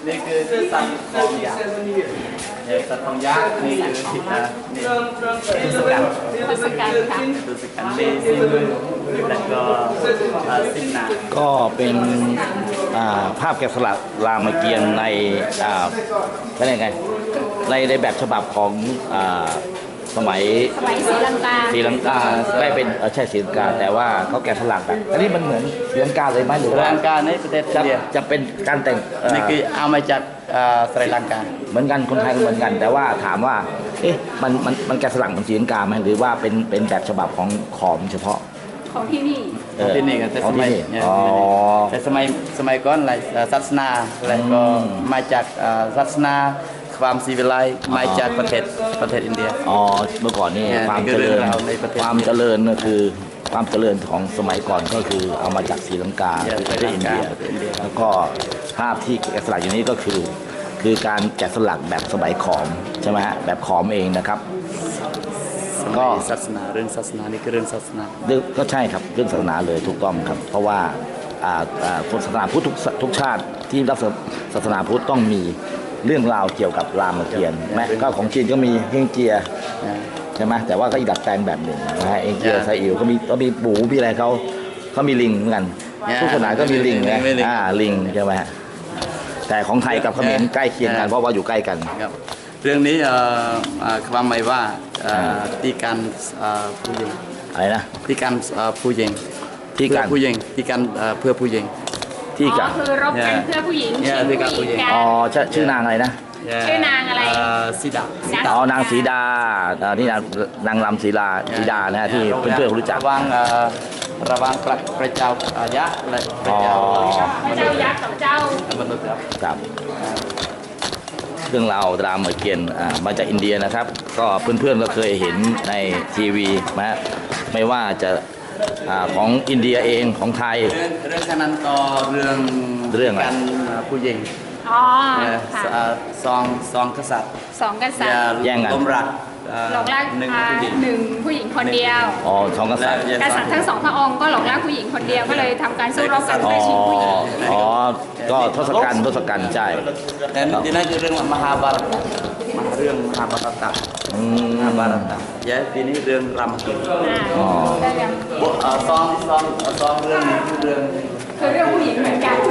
นี่คือสัตว์ของยักษ์สัตว์ของยักษ์นี่คือทิศนี่ตุสกันทศกัณฐ์ค่ะตุสกันเลซิมแล้วก็ซิมนาก็เป็นภาพแกะสลักรามเกียรติ์ในเป็นยังไงในแบบฉบับของสมัยศรีลังกาได้เป็นใช่ศรีลังกาแต่ว่าเขาแกะสลักแบบอันนี้มันเหมือนศรีลังกาเลยไหมหรือว่าศรีลังกาในประเทศอินเดียจะเป็นการแต่งนี่คือเอามาจากศรีลังกาเหมือนกันคนไทยเหมือนกันแต่ว่าถามว่าเอ๊ะมันแกะสลักเหมือนศรีลังกาไหมหรือว่าเป็นแบบฉบับของขอมเฉพาะของที่นี่ที่นี่กันแต่สมัยก่อนอะไรศาสนาอะไรก็มาจากศาสนาความศิวิไลซ์มาจากประเทศอินเดียเมื่อก่อนนี่ความเจริญก็คือความเจริญของสมัยก่อนก็คือเอามาจากศรีลังกาประเทศอินเดียแล้วก็ภาพที่แกะสลักอยู่นี้ก็คือการแกะสลักแบบสมัยขอมใช่ไหมฮะแบบขอมเองนะครับก็ศาสนาเรื่องศาสนานี่คือเรื่องศาสนาก็ใช่ครับเรื่องศาสนาเลยถูกต้องครับเพราะว่าคนศาสนาพุทธทุกชาติที่รับศาสนาพุทธต้องมีเรื่องราวเกี่ยวกับรามเกียรติ์แม้ก็ของจีนก็มีเฮงเจียใช่ไหมแต่ว่าก็อีกดัดแปลงแบบหนึ่งนะฮะเฮงเจียไซอิ๋วก็มีปูมีอะไรเขามีลิงเหมือนกันทุกศาสนาก็มีลิงนะลิงใช่ไหมฮะแต่ของไทยกับเขมรใกล้เคียงกันเพราะว่าอยู่ใกล้กันเรื่องนี้ความหมายว่าตีการผู้หญิงอะไรนะตีการผู้หญิงตีการผู้หญิงตีการเพื่อผู้หญิงที่กันคือรบกันเพื่อผู้หญิงผู้หญิงชื่อนางอะไรนะชื่อนางอะไรสีดานางสีดาที่นางรำสีดานะฮะที่เพื่อนๆรู้จักระวังพระเจ้ายักษ์และพระเจ้ายักษ์กับเจ้ามนุษย์ครับเรื่องราวรามเกียรติ์มาจากอินเดียนะครับก็เพื่อนๆก็เคยเห็นในทีวีนะไม่ว่าจะของอินเดียเองของไทยเรื่องนั้นก็เรื่องการผู้หญิงสองกษัตริย์แย่งกันหลงรักหนึ่งผู้หญิงคนเดียวสองกษัตริย์ทั้งสองพระองค์ก็หลงรักผู้หญิงคนเดียวก็เลยทำการสู้รบกันเพื่อชิงผู้หญิงก็ทศกัณฐ์ใช่ dan iniคือเรื่องมหาบารตเรื่องมหาบารตya ini เรื่องรามเกียรติ์สองเรื่องนี้คือเรื่องผู้หญิงเหมือนกัน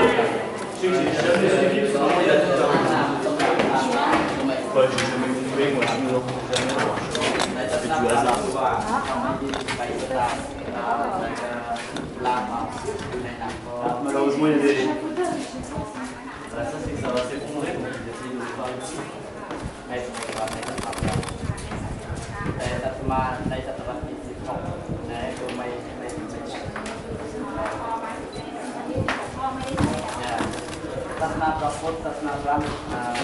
ในศตวรรษที่16นะก็ไม่ศาสนาพระพุทธศาสนาพราหมณ์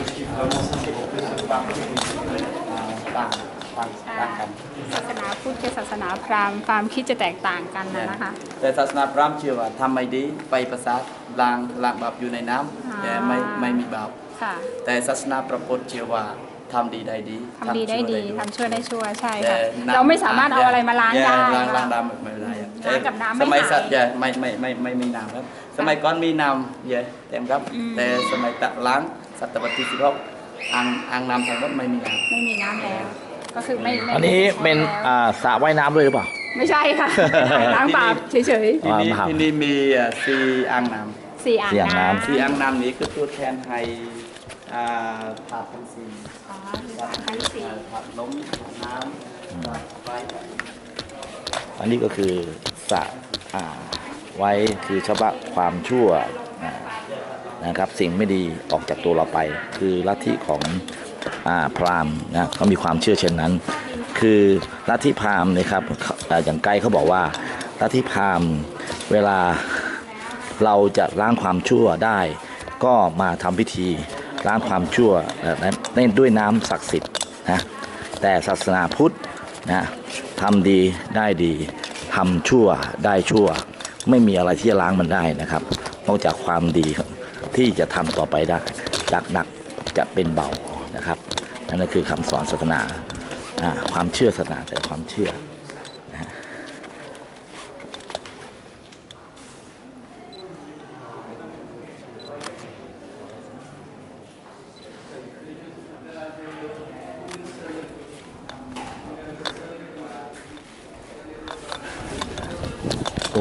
ต่างกันศาสนาพุทธกับศาสนาพราหมณ์ความคิดจะแตกต่างกันนะคะแต่ศาสนาพราหมณ์เชื่อว่าทำไม่ดีไปประสาทล้างบาปอยู่ในน้ำแต่ไม่มีบาปแต่ศาสนาพระพุทธเชื่อว่าทำดีได้ดีทำชั่วได้ชั่วใช่ค่ะเราไม่สามารถเอาอะไรมาล้างได้ล้างน้ำไม่ได้ล้างกับน้ำสมัยสัตว์ไม่มีน้ำครับสมัยก่อนมีน้ำเยอะเต็มครับแต่สมัยตักล้างศตวรรษที่16อ่างน้ำทั้งหมดไม่มีน้ำแล้วก็คือไม่อันนี้เป็นสระว่ายน้ำด้วยหรือเปล่าไม่ใช่ค่ะล้างบาปเฉยๆที่นี่มี4อ่างน้ำ 4อ่างน้ำนี้คือตัวแทนให้ถาดทั้ง4ถาดล้มน้ำไฟอันนี้ก็คือสระไว้คือชำระความชั่วนะครับสิ่งไม่ดีออกจากตัวเราไปคือลัทธิของพราหมณ์นะเขามีความเชื่อเช่นนั้นคือลัทธิพราหมณ์นะครับอย่างไกด์เขาบอกว่าลัทธิพราหมณ์เวลาเราจะล้างความชั่วได้ก็มาทำพิธีล้างความชั่วด้วยน้ำศักดิ์สิทธิ์นะแต่ศาสนาพุทธนะทำดีได้ดีทำชั่วได้ชั่วไม่มีอะไรที่จะล้างมันได้นะครับนอกจากความดีที่จะทำต่อไปได้จากหนักจะเป็นเบานะครับนั่นคือคำสอนศาสนาความเชื่อศาสนาแต่ความเชื่อ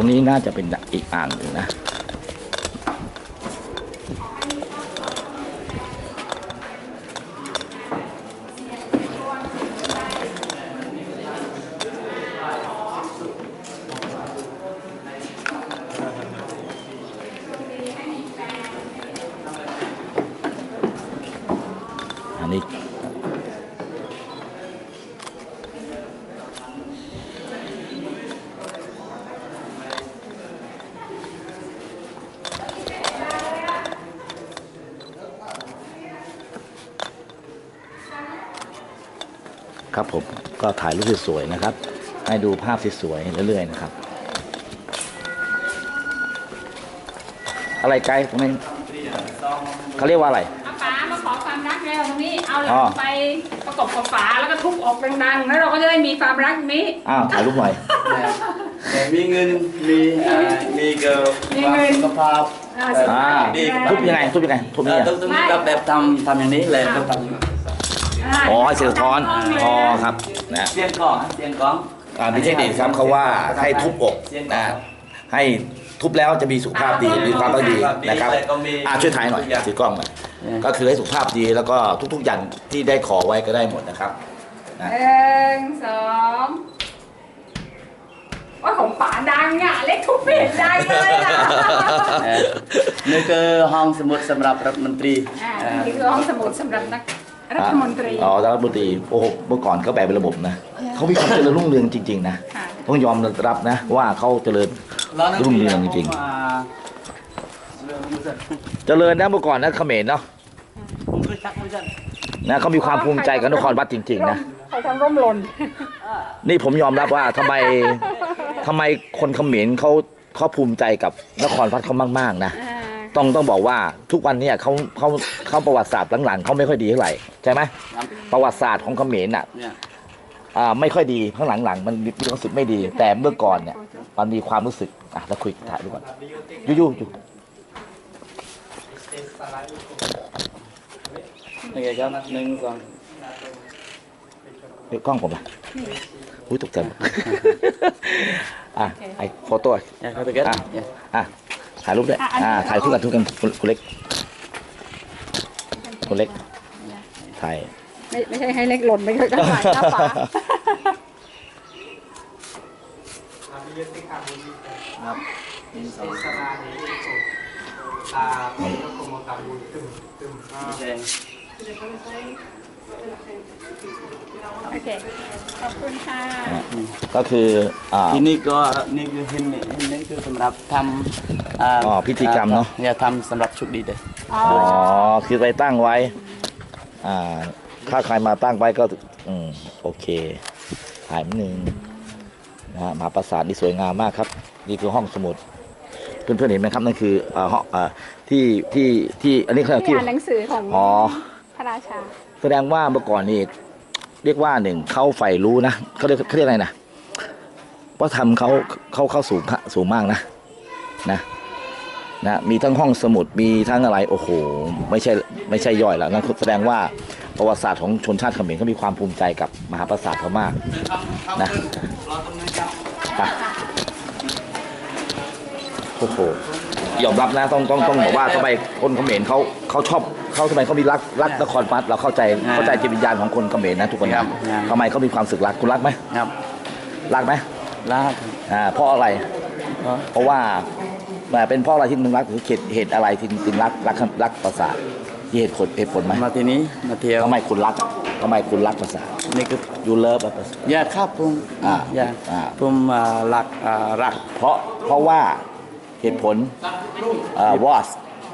รงนี้น่าจะเป็นอีกอ่างหนึ่งนะอันนี้ครับผมก็ถ่ายรูปสวยๆนะครับ ให้ดูภาพสวยๆเรื่อยๆนะครับ อะไรไกลตรงนี้เขาเรียกว่าอะไรเอาฝามาขอความรักแล้วตรงนี้เอาหลังไปประกบกับฝาแล้วก็ทุบออกดังๆแล้วเราก็จะได้มีความรักนี้อ้าวถ่ายรูปหน่อยแต่มีเงินมีเกิร์ลความสุขภาพทุบยังไงทุบยังไงทุบนี่ต้องแบบทำอย่างนี้เลยต้องทำอ๋อเสียงสะท้อนอ๋อครับนะเสียงกล้องมีเทคนิคครับเขาว่าให้ทุบอกนะให้ทุบแล้วจะมีสุขภาพดีมีความต้องดีนะครับช่วยถ่ายหน่อยถือกล้องหน่อยก็คือให้สุขภาพดีแล้วก็ทุกๆอย่างที่ได้ขอไว้ก็ได้หมดนะครับ 1 2ว่าของป๋าดังอ่ะเล็กทุบไม่เห็นดังเลยอ่ะนี่คือห้องสมุดสำหรับรัฐมนตรีนี่คือห้องสมุดสำหรับนักรัฐมนตรีรัฐมนตรีโอ้โหเมื่อก่อนเขาแบ่งเป็นระบบนะเขามีความเจริญรุ่งเรืองจริงๆนะต้องยอมรับนะว่าเขาเจริญรุ่งเรืองจริงๆเจริญนะเมื่อก่อนนะเขมรเนาะนะเขามีความภูมิใจกับนครวัดจริงๆนะใครทำร่มหล่นนี่ผมยอมรับว่าทำไมคนเขมรเขาภูมิใจกับนครวัดเขามากๆนะต้องบอกว่าทุกวันนี้เขาประวัติศาสตร์หลังๆเขาไม่ค่อยดีเท่าไหร่ใช่ไหมประวัติศาสตร์ของเขมรน่ะไม่ค่อยดีข้างหลังๆมันมีความรู้สึกไม่ดีแต่เมื่อก่อนเนี่ยมันมีความรู้สึกเราคุยถ่ายดูก่อนยู่ยังไงครับ1 2 เดี๋ยวกล้องผมอ่ะอุ้ยตกใจไอ้โฟโต้ถ่ายรูปด้วยถ่ายคู่กันทุกกันคุณเล็กถ่ายไม่ใช่ให้เล็กหล่นไปก็ถ่ายหน้าฝาโอเคขอบคุณค่ะก็คือที่นี่ก็นี่คือเห็นนี่คือสำหรับทำพิธีกรรมเนาะเนี่ยทำสำหรับชุดดีเลยคือไปตั้งไว้ถ้าใครมาตั้งไว้ก็โอเคถ่ายนิดนึงนะมหาปราสาทนี่สวยงามมากครับนี่คือห้องสมุดเพื่อนๆเห็นไหมครับนั่นคือห้องที่อันนี้คือที่อ่านหนังสือของพระราชาแสดงว่าเมื่อก่อนนี่เรียกว่าเขาใฝ่รู้นะเขาเรียกอะไรนะว่าทำเขาสูงมากนะมีทั้งห้องสมุดมีทั้งอะไรโอ้โหไม่ใช่ย่อยแล้วนั่นแสดงว่าประวัติศาสตร์ของชนชาติเขมรเขามีความภูมิใจกับมหาปราสาทเขามากนะโอ้โหยอมรับนะต้องบอกว่าทำไมคนเขมรเขาชอบเขาทำไมเขามีรักนครวัดเราเข้าใจจิตวิญญาณของคนเขมรนะทุกคนนะทำไมเขามีความสึกรักคุณรักไหมครับรักไหมรักเพราะอะไรเพราะว่าเป็นเพราะอะไรที่มึงรักหรือเหตุอะไรที่มึงรักปราสาทที่เหตุผลไหมมาที่นี้มาเที่ยวทำไมคุณรักปราสาทนี่คือยูเลิฟอยากครับผมผมรักเพราะว่าเหตุผลwas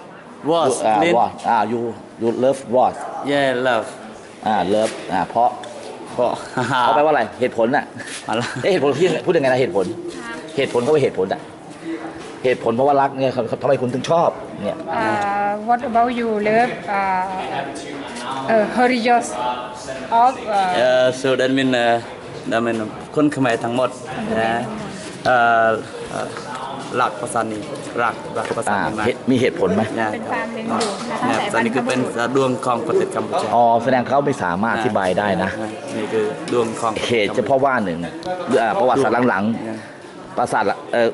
you love was love love เพราะเขาแปลว่าอะไรเหตุผลน่ะเหตุผลที่พูดยังไงนะเหตุผลเขาเป็นเหตุผลเพราะว่ารักเนี่ยทำไมคุณถึงชอบเนี่ย What about you love religious of so that mean คนเขมรทั้งหมดรักภาษานี้รักภาษานี้มีเหตุผลไหมเป็นความดึงดูดนะคะแต่นี่คือเป็นดวงของประเทศกัมพูชาแสดงเขาไม่สามารถอธิบายได้นะนี่คือดวงของเหตุเฉพาะว่าหนึ่งประวัติศาสตร์หลังๆปราสาท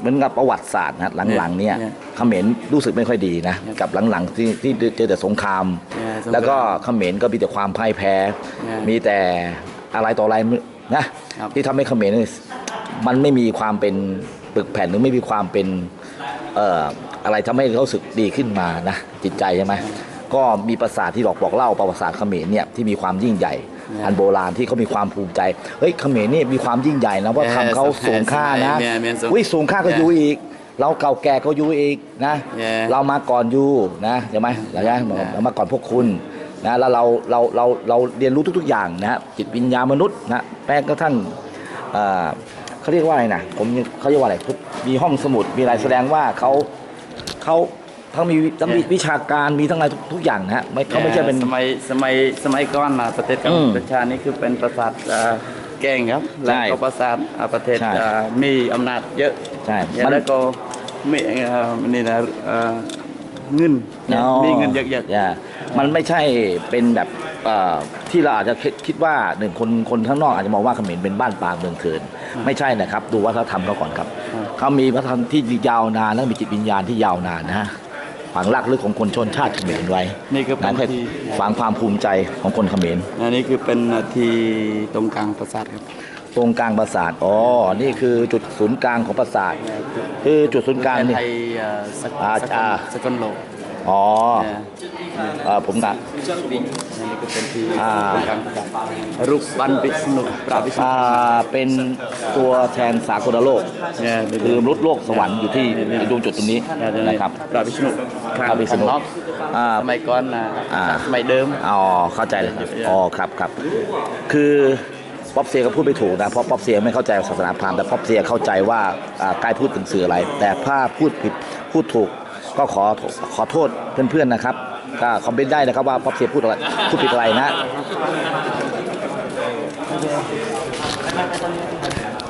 เหมือนกับประวัติศาสตร์นะหลังๆเนี่ยเขมรรู้สึกไม่ค่อยดีนะกับหลังๆที่เจอแต่สงคราม แล้วก็เขมรก็มีแต่ความพ่ายแพ้ มีแต่อะไรต่ออะไรนะที่ทำให้เขมรมันไม่มีความเป็นปึกแผ่นหรือไม่มีความเป็นอะไรทำให้เขาสึกดีขึ้นมานะจิตใจใช่ไหมก็มีปราสาทที่บอกเล่าประวัติศาสตร์เขมรเนี่ยที่มีความยิ่งใหญ่อันโบราณที่เขามีความภูมิใจเฮ้ยเขมรนี่มีความยิ่งใหญ่นะเพราะทำเขาสูงค่านะสูงค่าก็อยู่อีกเราเก่าแก่ก็อยู่อีกนะเรามาก่อนอยู่นะใช่ไหมเรามาก่อนพวกคุณนะแล้วเราเรียนรู้ทุกๆอย่างนะจิตวิญญาณมนุษย์นะแม้กระทั่งเขาเรียกว่าอะไรนะเขาเรียกว่าอะไรมีห้องสมุดมีอะไรแสดงว่าเขาทั้งมีวิชาการมีทั้งอะไรทุกอย่างนะฮะเขาไม่ใช่เป็นสมัยก่อนนะประเทศกัมพูชานี่คือเป็นปราสาทแก่งครับแล้วก็ปราสาทประเทศมีอำนาจเยอะใช่แล้วก็มีนี่นะเงินมีเงินเยอะๆมันไม่ใช่เป็นแบบที่เราอาจจะคิดว่าหนึ่งคนข้างนอกอาจจะมองว่าเขมรเป็นบ้านปลาเมืองเถื่อนไม่ใช่นะครับดูวัฒนธรรมเขาก่อนครับเขามีวัฒนธรรมที่ยาวนานและมีจิตวิญญาณที่ยาวนานนะฮะฝังรากลึกของคนชนชาติเขมรไว้นี่คือเป็นที่ฝังความภูมิใจของคนเขมรอันนี้คือเป็นที่ตรงกลางปราสาทครับตรงกลางปราสาทอ๋อนี่คือจุดศูนย์กลางของปราสาทคือจุดศูนย์กลางนี่สกลโลกอ๋อผมกะนี่ก็เป็นที่รูปบันวิษณุปราวิษณุเป็นตัวแทนสากลโลกคือมนุษย์โลกสวรรค์อยู่ที่ดวงจุดตรงนี้นะครับปราวิษณุสมัยก่อนสมัยเดิมอ๋อเข้าใจเลยอ๋อครับคือป๊อปเซียก็พูดไม่ถูกนะเพราะป๊อปเซียไม่เข้าใจศาสนาพราหมณ์แต่ป๊อปเซียเข้าใจว่าใกล้พูดถึงสื่ออะไรแต่ถ้าพูดผิดพูดถูกก็ขอโทษเพื่อนๆนะครับก็คอมเมนต์ได้นะครับว่าป๊อปเซียพูดผิดอะไรนะ